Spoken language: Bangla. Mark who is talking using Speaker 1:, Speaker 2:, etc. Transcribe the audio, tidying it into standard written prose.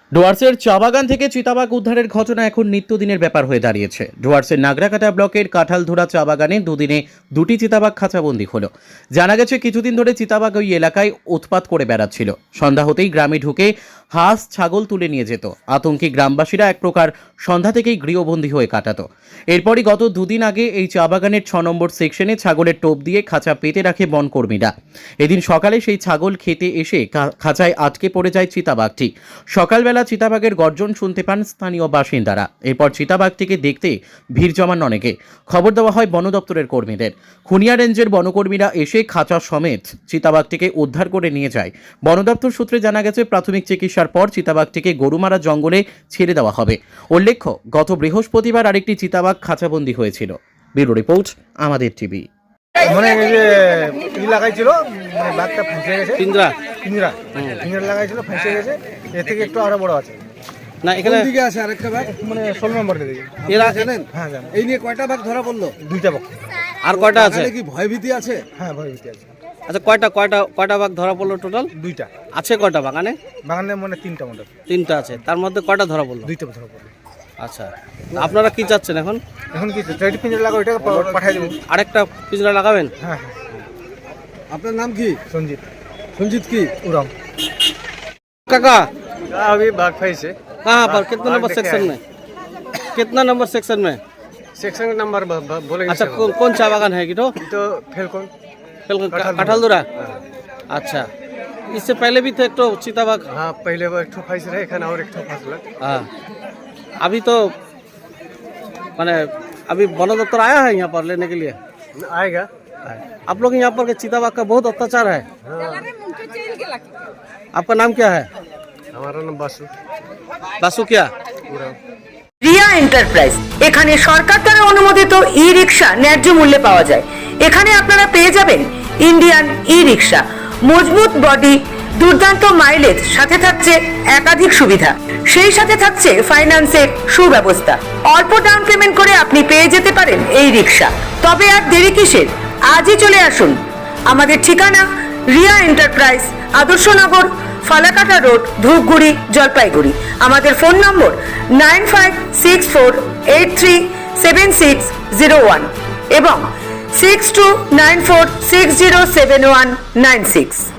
Speaker 1: ডুয়ার্সের চা বাগান থেকে চিতাবাঘ উদ্ধারের ঘটনা এখন নিত্যদিনের ব্যাপার হয়ে দাঁড়িয়েছে। ডুয়ার্সের নাগরাকাটা ব্লকের কাঁঠালধুরা চা বাগানে দুদিনে দুটি চিতাবাঘ খাঁচাবন্দি হলো। জানা গেছে কিছুদিন ধরে চিতাবাঘ ওই এলাকায় উৎপাত করে বেড়াচ্ছিল। সন্ধ্যা হতেই গ্রামে ঢুকে হাঁস ছাগল তুলে নিয়ে যেত। আতঙ্কে গ্রামবাসীরা এক প্রকার সন্ধ্যা থেকেই গৃহবন্দী হয়ে কাটাতো। এরপরই গত দুদিন আগে এই চা বাগানের 6 নম্বর সেকশনে ছাগলের টোপ দিয়ে খাঁচা পেতে রাখে বনকর্মীরা। এদিন সকালে সেই ছাগল খেতে এসে খাঁচায় আটকে পড়ে যায় চিতাবাঘটি। সকালবেলা চিতাবাঘের গর্জন শুনতে পান স্থানীয় বাসিন্দারা। এরপর চিতাবাঘটিকে দেখতে ভিড় জমান অনেকে। খবর দেওয়া হয় বন দপ্তরের কর্মীদের। খুনিয়া রেঞ্জের বনকর্মীরা এসে খাঁচা সমেত চিতাবাঘটিকে উদ্ধার করে নিয়ে যায়। বন দপ্তর সূত্রে জানা গেছে প্রাথমিক চিকিৎসার পর চিতাবাঘটিকে গরুমারা জঙ্গলে ছেড়ে দেওয়া হবে। উল্লেখ্য, গত বৃহস্পতিবার আরেকটি চিতাবাঘ খাঁচাবন্দি হয়েছিল। ব্যুরো রিপোর্ট, আমাদের টিভি।
Speaker 2: মানে লাগাইছিল, মানে বাঘটা ফাঁসে গেছে। পিঞ্জরা লাগাইছিল, ফাঁসে গেছে। এর থেকে একটু আরো বড় আছে
Speaker 3: না। এখানে
Speaker 2: দিকে আছে আরেকটা বাঘ, মানে 16 নম্বর দিকে।
Speaker 3: এরা
Speaker 2: জানেন? হ্যাঁ জানেন।
Speaker 4: এই নিয়ে কয়টা বাঘ ধরা পড়লো?
Speaker 2: দুইটা বাঘ।
Speaker 3: আর কয়টা আছে?
Speaker 4: কি ভয়ভীতি আছে?
Speaker 2: হ্যাঁ, ভয়ভীতি আছে।
Speaker 3: আচ্ছা, কয়টা বাঘ ধরা পড়লো টোটাল?
Speaker 2: দুইটা
Speaker 3: আছে। কয়টা বাগানে?
Speaker 2: বাগানে মানে তিনটা মোটর।
Speaker 3: তিনটা আছে। তার মধ্যে কয়টা ধরা পড়লো?
Speaker 2: দুইটা ধরা পড়লো।
Speaker 3: আচ্ছা, আপনারা কি চাচ্ছেন এখন?
Speaker 2: এখন কি চাইটি পিঞ্জরা লাগাও, এটাকে পাঠিয়ে দেবো।
Speaker 3: আরেকটা পিঞ্জরা লাগাবেন?
Speaker 2: হ্যাঁ।
Speaker 4: আপনার নাম কি?
Speaker 2: সঞ্জিত।
Speaker 4: সঞ্জিত কি?
Speaker 2: उराम।
Speaker 3: काका
Speaker 2: अभी बाघ फंसे
Speaker 3: कहाँ पर? कितना नंबर सेक्शन में? कितना नंबर सेक्शन में?
Speaker 2: सेक्शन नंबर बोलेंगे।
Speaker 3: अच्छा, कौन चा बागान है कि
Speaker 2: तो फेलकोन
Speaker 3: कटहलधुरा। अच्छा, इससे पहले भी थे एक तो चिताबाघ?
Speaker 2: हाँ, पहले वो एक ठो फंस रहे खाना और एक ठो फंसलक।
Speaker 3: हाँ, अभी तो माने अभी वन दफ्तर आया है यहाँ पर लेने के लिए?
Speaker 2: आएगा।
Speaker 3: आप लोग यहाँ पर के चिताबाघ का बहुत अत्याचार है। आपका नाम क्या है?
Speaker 2: हमारा नाम बासु।
Speaker 3: बासु क्या?
Speaker 2: उराम।
Speaker 5: রিয়া এন্টারপ্রাইজ, এখানে সরকার দ্বারা অনুমোদিত ই রিক্সা ন্যায্য মূল্যে পাওয়া যায়। এখানে আপনারা পেয়ে যাবেন ইন্ডিয়ান ই রিক্সা, মজবুত বডি, দুর্দান্ত মাইলেজ, সাথে থাকছে একাধিক সুবিধা। সেই সাথে থাকছে ফাইন্যান্সের সুব্যবস্থা। অল্প ডাউন পেমেন্ট করে আপনি পেয়ে যেতে পারেন এই রিক্সা। তবে আর দেরি কিসের? আজই চলে আসুন। আমাদের ঠিকানা রিয়া এন্টারপ্রাইজ, আদর্শনগর, ফালাকাটা রোড, ধূপগুড়ি, জলপাইগুড়ি। আমাদের ফোন নম্বর 9564837601 এবং 6294607196।